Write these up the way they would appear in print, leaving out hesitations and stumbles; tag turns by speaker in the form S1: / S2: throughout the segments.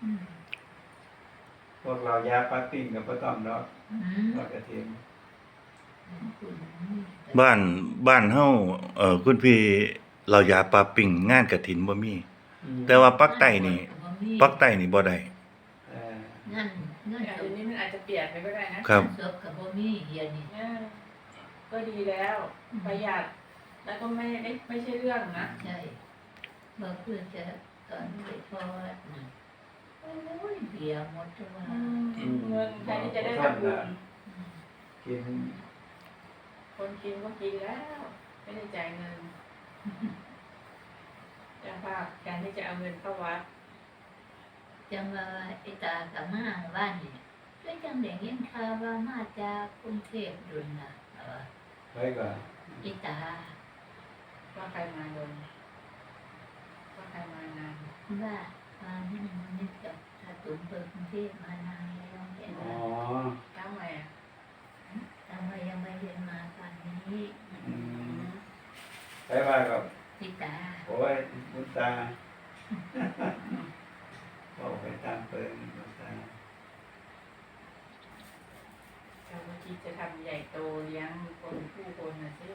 S1: พวกเรายาปลาปิ้งกับปลาต้อมดอกทอดกระเทียม
S2: บ้านเฮาคุณพี่เรายาปลาปิ่งงานกฐินบ่มีแต่ว่าปักใต้นี่บ่ได้
S3: งั้น
S4: เดี๋ยวนี้มันอาจจะเปลี่ยนไปก็ได้นะครับ
S3: ศพกับบ่มีเฮียนี่
S4: ก็ดีแล้วประหยัดแล้วก็ไม่ใช่เรื่องนะ
S3: ใช่บ่เพื่อจะตอนไปทอดน่ะโอ้ยเบียร์หมดตัว
S4: เงินแทนที่จะได้ทำบุญ
S1: กิน
S4: คนกินก็กินแล้วไม่ได้จ่ายเงินจะภาพแทนที่จะเอาเงินเข้าวัด
S3: จังว่าไอ้ตากับมาบ้านนี่ก็จังได้ยินข่าวว่ามาจากกรุงเทพดุลน่ะ
S1: ไปก่อน
S3: ไอ้ตา
S4: ว่าใครมาโดนว่าใครมานาน
S3: ว่านี่มันนี่กับถ้าตุนเปิดกรุงเทพมานานแล้วแก
S1: อ๋อ
S4: เจ้าใหม่อ่ะ
S3: แต่ว่ายังไม่เรียนมาตอนนี้
S1: ไปว่ากับ
S3: ไอ้ตา
S1: โอ้ยบุญตาบอกไปตามเปิดบุญตา
S4: เจ้าเมื่อกี้จะทำใหญ่โตเลี้ยงคนนะสิ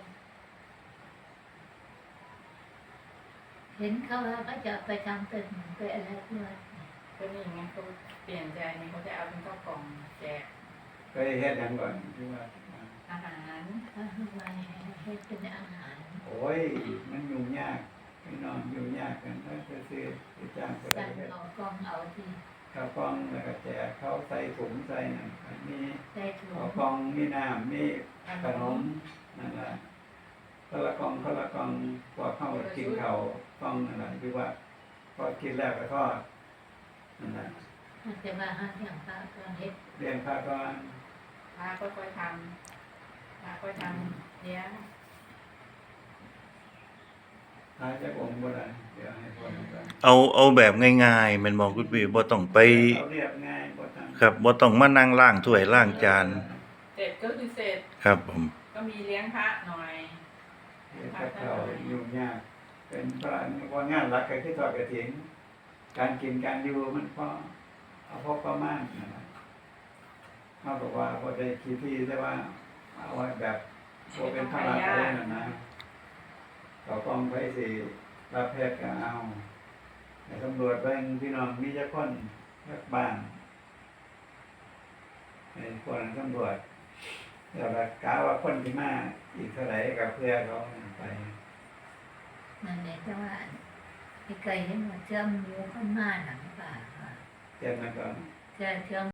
S3: เห็นเขาว่าก็จะไปทำเป็นไปอะไรด้วย
S4: ก็นี่ไงเขาเปลี่ยนใจนี่เขาจะเอาเป็นข้าวกล่องแจก
S1: เคยเฮ็ดหยังก่อนที่ว่า
S4: อาหาร
S3: ถ้าทำไมให้เป็นอาหาร
S1: โอ้ยมันยุ่งยากพี่น้องยุ่งยากกันถ้าจะซื้อไปจ้างก็ได้
S3: สั่งเอากล้องเอาที่
S1: ข้าวกล้องแล้วก็แจกเขาใส่ถุงใส่นั่นมี
S3: ใส่ถุ
S1: ข้าว
S3: ง
S1: กล้องมีน้ำมีขนมนั่นแหละคนละกล่องพอเข้ากินข้าวกล้องนั่นแหละคือว่าพอกินแล้วก็ทอดนั่นแหละ
S3: มันจะมาหาอย่างพระก่อนเฮ็ด
S1: เรียนพระก่อน
S4: พาค่อยๆทำพาค่อยทำเลี้ยง
S1: พระจะองค์บ่ได้เดี๋ยวให้คนก่อน
S2: เอาแบบง่ายๆแม่นบ่คุณพี่บ่ต้องไป
S1: เอาเรียบง่ายบ่ต้อง
S2: ครับบ่ต้องมานั่งล้างถ้วยล้างจาน
S4: เสร็จก็คือเสร็จ
S2: ครับผม
S4: ก็มีเลี้ยงพระหน่อย
S1: เรียนพระเขายุ่งยากเป็นพระว่างานหลักก็คือทอดกฐินการกินการอยู่มันพอเอาพอประมาณนั่นแหละเขาบอกว่าบ่ได้คิดที่แต่ว่าเอาไว้แบบบ่เป็นภาระอะไรนั่นนะเขากองไปสิรับแพทย์ก็เอาให้ตำรวจเบิ่งพี่น้องมีจักคนจักบ้านให้คนตำรวจเดี๋ยวละกะว่าคนที่มาอีกเท่าไหร่ก็เพื่อเขาไป
S3: นั่นแหละแต่ว่าไอ้ไก่เห็นว่าเชื่อมอยู่ข้างหน้าหนังป่า
S1: เตรียมมาก่อน
S3: เชื่อม